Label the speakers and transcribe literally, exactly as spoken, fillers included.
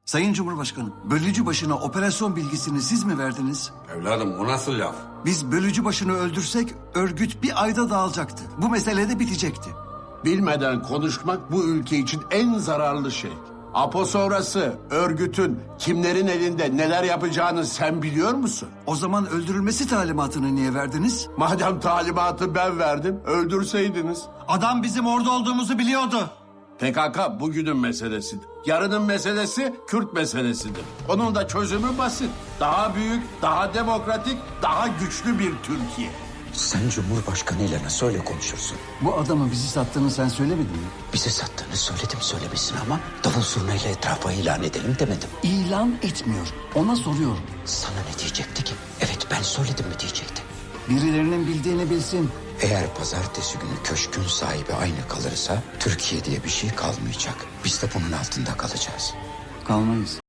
Speaker 1: Sayın Cumhurbaşkanım, bölücü başına operasyon bilgisini siz mi verdiniz?
Speaker 2: Evladım o nasıl laf?
Speaker 1: Biz bölücü başını öldürsek örgüt bir ayda dağılacaktı. Bu mesele de bitecekti.
Speaker 3: Bilmeden konuşmak bu ülke için en zararlı şey. Apo sonrası örgütün kimlerin elinde neler yapacağını sen biliyor musun?
Speaker 1: O zaman öldürülmesi talimatını niye verdiniz?
Speaker 3: Madem talimatı ben verdim, öldürseydiniz.
Speaker 1: Adam bizim orada olduğumuzu biliyordu.
Speaker 3: P K K bugünün meselesidir. Yarının meselesi Kürt meselesidir. Onun da çözümü basit. Daha büyük, daha demokratik, daha güçlü bir Türkiye.
Speaker 4: Sen Cumhurbaşkanıyla nasıl öyle konuşursun?
Speaker 1: Bu adamı bizi sattığını sen söylemedin mi?
Speaker 4: Bizi sattığını söyledim söylemesin ama davul zurnayla etrafa ilan edelim demedim.
Speaker 1: İlan etmiyor. Ona soruyorum.
Speaker 4: Sana ne diyecekti ki? Evet ben söyledim mi diyecekti.
Speaker 1: Birilerinin bildiğini bilsin.
Speaker 4: Eğer pazartesi günü köşkün sahibi aynı kalırsa Türkiye diye bir şey kalmayacak. Biz de bunun altında kalacağız.
Speaker 1: Kalmayız.